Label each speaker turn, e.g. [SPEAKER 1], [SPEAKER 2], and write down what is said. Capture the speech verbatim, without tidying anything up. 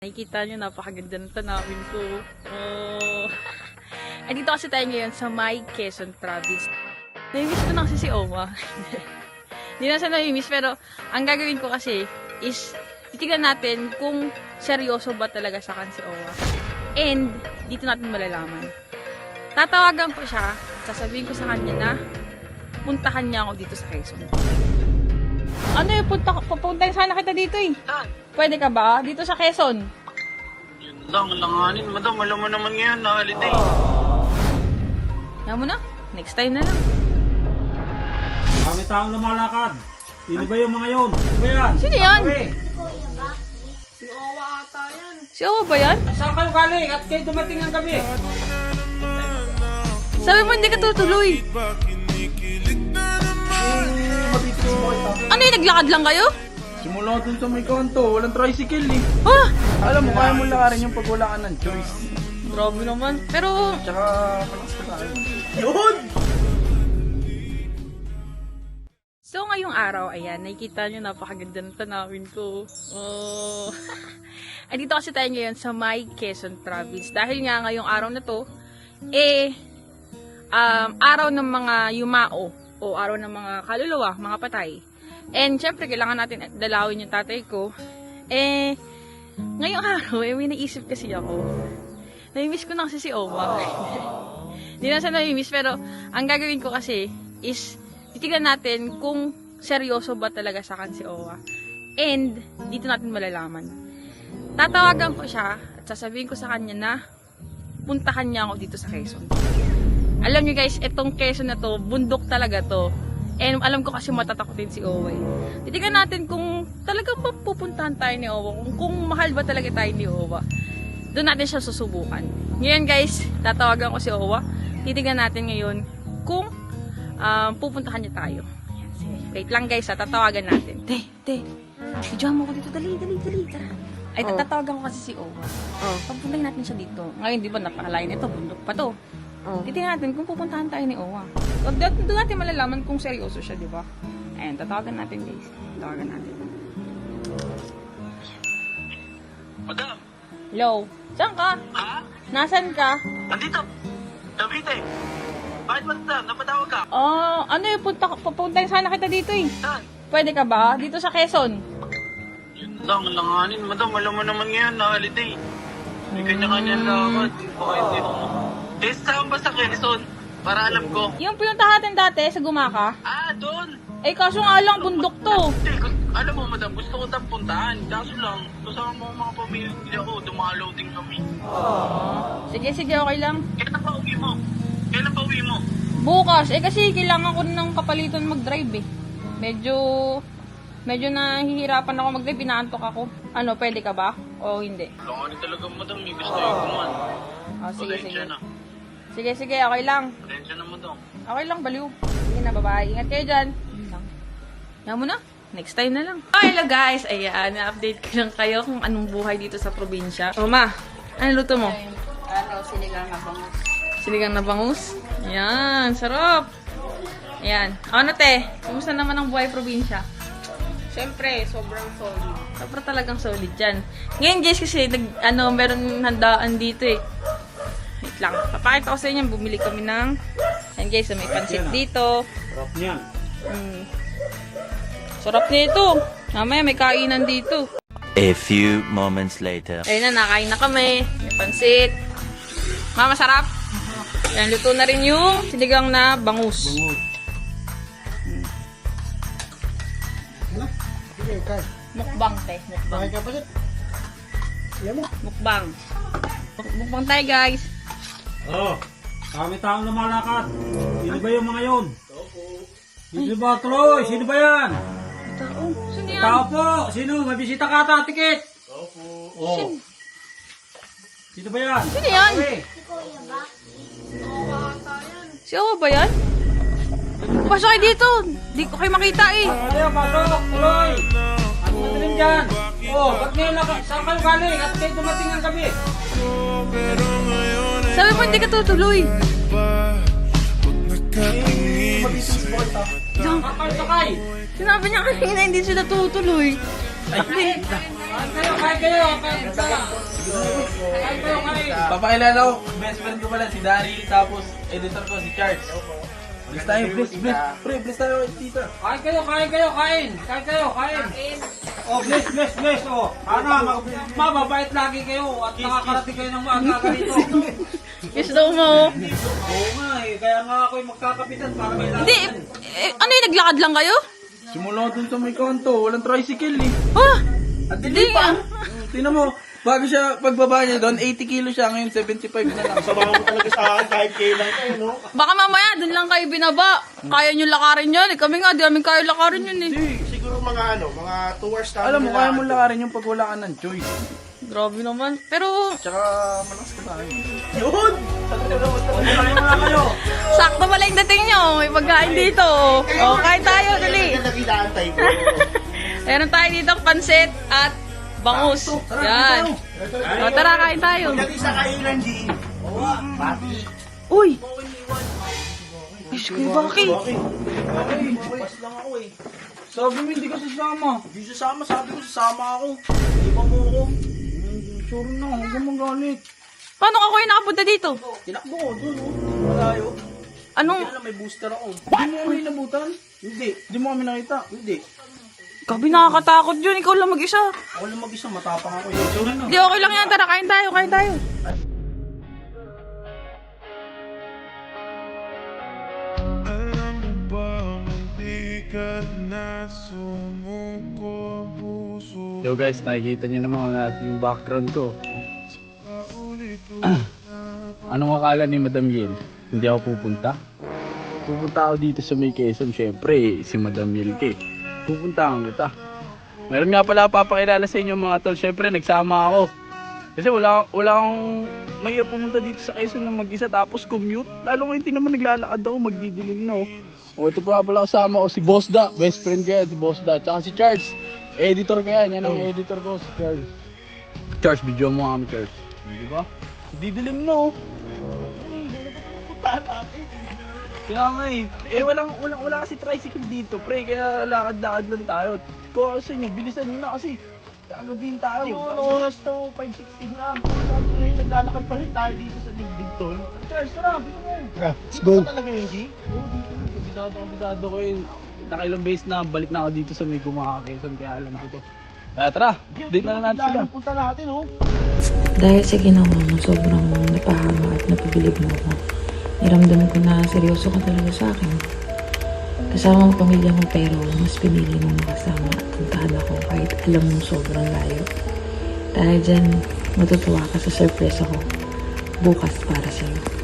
[SPEAKER 1] Nakikita nyo, napakaganda ng tanawin ko. Oh. Ay, dito kasi tayo ngayon sa May Quezon Province. Namimiss ko na kasi si Oma. Hindi na siya namimiss, pero ang gagawin ko kasi is titignan natin kung seryoso ba talaga sa akin si Oma. And, dito natin malalaman. Tatawagan ko siya, sasabihin ko sa kanya na puntahan niya ako dito sa Quezon. Ano yung punta, papuntahin sana kita dito eh. Pwede ka ba? Dito sa Quezon.
[SPEAKER 2] Yun lang, langanin. Madam, alam mo naman ngayon na holiday.
[SPEAKER 1] Yan mo na. Next time na lang.
[SPEAKER 3] Kami taong lumalakad. Sino ba yung mga yun? Sino ba yan?
[SPEAKER 1] Sino yan?
[SPEAKER 3] Si Owa ata yan.
[SPEAKER 1] Si Owa ba yan?
[SPEAKER 3] Saan kayo galing? At kayo dumating ng gabi.
[SPEAKER 1] Sabi mo hindi ka tutuloy. Ano yung naglakad lang kayo?
[SPEAKER 4] Simula dun sa may kanto, walang tricycle eh.
[SPEAKER 1] Ah!
[SPEAKER 4] Alam mo, kaya mo lakarin yung pag wala ka ng choice.
[SPEAKER 1] Grabe naman. Pero,
[SPEAKER 4] Tsaka, malakas ka tayo. Yun!
[SPEAKER 1] so ngayong araw, ayan, nakikita nyo napakaganda ng tanawin ko. Oh. Ay, dito kasi tayo ngayon sa May Quezon Province. Dahil nga ngayong araw na to, eh, um, araw ng mga yumao o araw ng mga kaluluwa, mga patay. And syempre, kailangan natin dalawin yung tatay ko. Eh, ngayong araw, eh, may naisip kasi ako. Namimiss ko na kasi si Oma. Hindi na siya namimiss, pero ang gagawin ko kasi is titignan natin kung seryoso ba talaga sa akin si Owa. And, dito natin malalaman. Tatawagan ko siya at sasabihin ko sa kanya na puntahan niya ako dito sa Quezon. Alam niyo guys, itong Quezon na to, bundok talaga to. And alam ko kasi matatakotin si Owa. Eh. Titignan natin kung talagang pupuntahan tayo ni Owa. Kung, kung mahal ba talaga tayo ni Owa. Doon natin siya susubukan. Ngayon guys, tatawagan ko si Owa. Titignan natin ngayon kung um, pupuntahan niya tayo. Ayan, sige. Wait lang guys, ha, tatawagan natin. Te, te, videoan mo ko dito. Dali, dali, dali. Tara. Ay,
[SPEAKER 4] Oh.
[SPEAKER 1] tatawagan ko kasi si Owa.
[SPEAKER 4] Oh.
[SPEAKER 1] Pagpuntahin natin siya dito. Ngayon, di ba, napakalain ito. Bundok pa to.
[SPEAKER 4] Oh.
[SPEAKER 1] Titingnan natin kung pupuntahan tayo ni Owa. Wag doon natin malalaman kung seryoso siya, di ba? Ayan, tatawagan natin guys. Tatawagan natin.
[SPEAKER 2] Madam,
[SPEAKER 1] Hello? Saan ka?
[SPEAKER 2] ha?
[SPEAKER 1] Nasaan ka?
[SPEAKER 2] Nandito. Cavite. Bakit madam? Napatawag ka?
[SPEAKER 1] Oh, ano yung punta, papuntahin sana kita dito eh.
[SPEAKER 2] Saan?
[SPEAKER 1] Pwede ka ba? Dito sa Quezon.
[SPEAKER 2] Yun lang, langanin. Madam, alam mo naman ngayon na holiday. May kanya-kanya lakad. Bakit dito? Eh, saan ba sa Quezon? Para alam ko.
[SPEAKER 1] Yung pinuntahan natin dati sa Gumaka.
[SPEAKER 2] Ah, doon.
[SPEAKER 1] Eh, kaso nga lang bundok to.
[SPEAKER 2] Hindi, gu- alam mo madam, gusto ko tayong puntahan. Kaso lang, kasama mo ang mga pamilya ko, dumalaw din kami.
[SPEAKER 1] Sige, sige, okay lang.
[SPEAKER 2] Kailan pa uwi mo? Kailan pa uwi mo?
[SPEAKER 1] Bukas, eh kasi kailangan ko ng kapalitan mag-drive eh. Medyo, medyo nahihirapan ako mag-drive, inaantok ako. Ano, pwede ka ba? O hindi?
[SPEAKER 2] Langanin talaga madam, may gusto yung kuman.
[SPEAKER 1] Oh, sige, sige.
[SPEAKER 2] Pasensya na.
[SPEAKER 1] Sige, sige, okay lang.
[SPEAKER 2] Pasensya na madam.
[SPEAKER 1] Okay lang, baliw. Sige na, bye-bye. Ingat kayo dyan. Yun lang. Yan mo na. Next time na lang. Oh, hello guys. Ayan, na-update ko lang kayo kung anong buhay dito sa probinsya. O ma, ano luto mo?
[SPEAKER 5] Ano, sinigang na bangus.
[SPEAKER 1] Sinigang na bangus. Ayan, sarap. Ayan. Ano te? Kumusta naman ang buhay probinsya?
[SPEAKER 5] Siyempre, sobrang solid.
[SPEAKER 1] Sobrang talagang solid dyan. Ngayon guys, kasi nag, ano, meron handaan dito eh. Wait lang. Papakita ko sa inyo. Bumili kami ng, ayan guys, may pansit dito.
[SPEAKER 3] Sarap niyan.
[SPEAKER 1] Mm. Sarap nito. Mamaya may kainan dito.
[SPEAKER 6] A few moments later.
[SPEAKER 1] Ayun na, nakain na kami. May pansit. Mama, sarap. Ayan, luto na rin yung sinigang na bangus.
[SPEAKER 4] Bangus. Ano? Sige, kay.
[SPEAKER 1] Mukbang, te. Mukbang.
[SPEAKER 4] Bakit ka pa siya? Alam mo?
[SPEAKER 1] Mukbang. Muk- Mukbang tayo, guys.
[SPEAKER 3] Oh, kami taong lumalakad. Sino ba yung mga yun? Sino ba tuloy? Sino ba yan?
[SPEAKER 1] Tao. Sino yan?
[SPEAKER 3] Tao po. Sino? May bisita ka ata, tikit. Opo. Oh. Sino ba yan?
[SPEAKER 1] Sino yan?
[SPEAKER 3] Okay.
[SPEAKER 1] Si Owa ba yan? Pasok kayo dito. Di ko kayo makita eh.
[SPEAKER 3] Ano, pasok. Tuloy. Ano madaling dyan? Oh, ba't ngayon naka... Saan kayo galing? At kayo dumating ng gabi.
[SPEAKER 1] Sabi mo hindi ka tutuloy.
[SPEAKER 3] Sakay, sakay.
[SPEAKER 1] Sinabi niya kanina hindi sila tutuloy.
[SPEAKER 3] Ay, kayo, kain kayo, kain kayo. Kain kayo, kain.
[SPEAKER 2] Papakilala ko, best friend ko pala si Daryl, tapos editor ko si Charles. Bless tayo, bless, bless. Pre, bless tayo, tita.
[SPEAKER 3] Kain kayo, kain kayo, kain. Kain kayo, kain. Oh, bless, bless, bless. Oh, ana, mag- mababait lagi kayo at nakakarating kayo ng maaga rito.
[SPEAKER 1] Kiss daw mo.
[SPEAKER 3] Oo nga eh, kaya nga ako'y magkakapitan para may
[SPEAKER 1] Hindi, eh, ano yung naglakad lang kayo?
[SPEAKER 2] Simula dun sa may kanto, walang tricycle eh.
[SPEAKER 1] Ah,
[SPEAKER 2] At
[SPEAKER 1] hindi
[SPEAKER 2] hindi pa.
[SPEAKER 1] ah.
[SPEAKER 2] Tingnan mo, bago siya, pagbaba niya doon, eighty kilo siya, ngayon seventy-five na lang.
[SPEAKER 4] Sabahan mo talaga sa akin kahit kailan kayo, no?
[SPEAKER 1] Baka mamaya, dun lang kayo binaba. Kaya nyo lakarin yun. Eh, kami nga, di namin kaya lakarin yun eh.
[SPEAKER 4] Siguro mga ano, mga two hours tayo.
[SPEAKER 2] Alam mo, kaya mo lakarin yung pag wala ka ng choice.
[SPEAKER 1] Grabe naman. Pero,
[SPEAKER 2] Tsaka, malakas ka tayo.
[SPEAKER 4] Yun!
[SPEAKER 3] Kain muna kayo.
[SPEAKER 1] sakto pala yung dating nyo. May pagkain dito. O, kain tayo, dali.
[SPEAKER 4] Yan nakilaantay ko.
[SPEAKER 1] Meron tayo dito pansit at bangus. Yan. O, tara, kain tayo.
[SPEAKER 4] Dali sa kailan, G. Pati.
[SPEAKER 1] Uy! Diyos ko, Baki.
[SPEAKER 4] Okay. Okay, bukas lang ako eh.
[SPEAKER 2] Sabi mo, hindi ka sasama.
[SPEAKER 4] Hindi sasama, sabi ko sasama ako. Hindi pa mo ako.
[SPEAKER 2] Sure na, huwag kang magalit.
[SPEAKER 1] Paano ka kayo nakapunta dito?
[SPEAKER 4] Tinakbo ko dun, oh. Malayo.
[SPEAKER 1] Anong,
[SPEAKER 4] Kaya lang may booster ako.
[SPEAKER 2] Hindi mo kami nabutan?
[SPEAKER 4] Hindi.
[SPEAKER 2] Hindi mo kami nakita?
[SPEAKER 4] Hindi.
[SPEAKER 1] gabi nakakatakot yun. Ikaw lang mag-isa.
[SPEAKER 4] Ako lang mag-isa, matapang ako. eh. Sorry na.
[SPEAKER 1] Di, okay lang yan. Tara, kain tayo, kain tayo.
[SPEAKER 7] Alam mo bang hindi ka na sumuko puso?
[SPEAKER 8] Yo guys, nakikita niyo naman natin yung background ko. Anong akala ni Madam Yel? Hindi ako pupunta? Pupunta ako dito sa May Quezon, syempre, si Madam Yel ke. Pupuntahan kita. Meron nga pala papakilala sa inyo mga tol, syempre nagsama ako. Kasi wala, wala akong may pumunta dito sa Quezon na mag-isa tapos commute. Lalo ngayon hindi naman naglalakad ako, magdidilim na oh. O ito pa pala kasama ko si Boss Da, best friend ko yan, si Boss Da. Tsaka si Charles, editor ko yan, yan ang editor ko, si Charles. Charles, video mo kami Charles. Di ba? Didilim na oh. Kaya nga eh, eh walang, walang, wala kasi tricycle dito pre, kaya lakad-lakad lang tayo. Kung kasi nyo, bilisan nyo na kasi kagabihin tayo. Ano oras to, five sixteen na. Naglalakad pa rin tayo dito sa digdig tol. Charles, tara, bisa mo.
[SPEAKER 4] Let's go.
[SPEAKER 8] Talaga yun, G? Oo, dito. Bisado ko, bisado ko yun. Nakailang base na, balik na ako dito sa may Gumaka-Quezon, kaya alam ko to. Kaya tara, date na lang natin sila.
[SPEAKER 4] Punta natin, oh.
[SPEAKER 9] Dahil sa ginawa mo, sobrang napahama at napabilib mo ako. Niramdam ko na seryoso ka talaga sa akin. Kasama ang pamilya mo pero mas pinili mo makasama at puntahan ako kahit alam mo sobrang layo. Dahil dyan, matutuwa ka sa surprise ako bukas para sa'yo.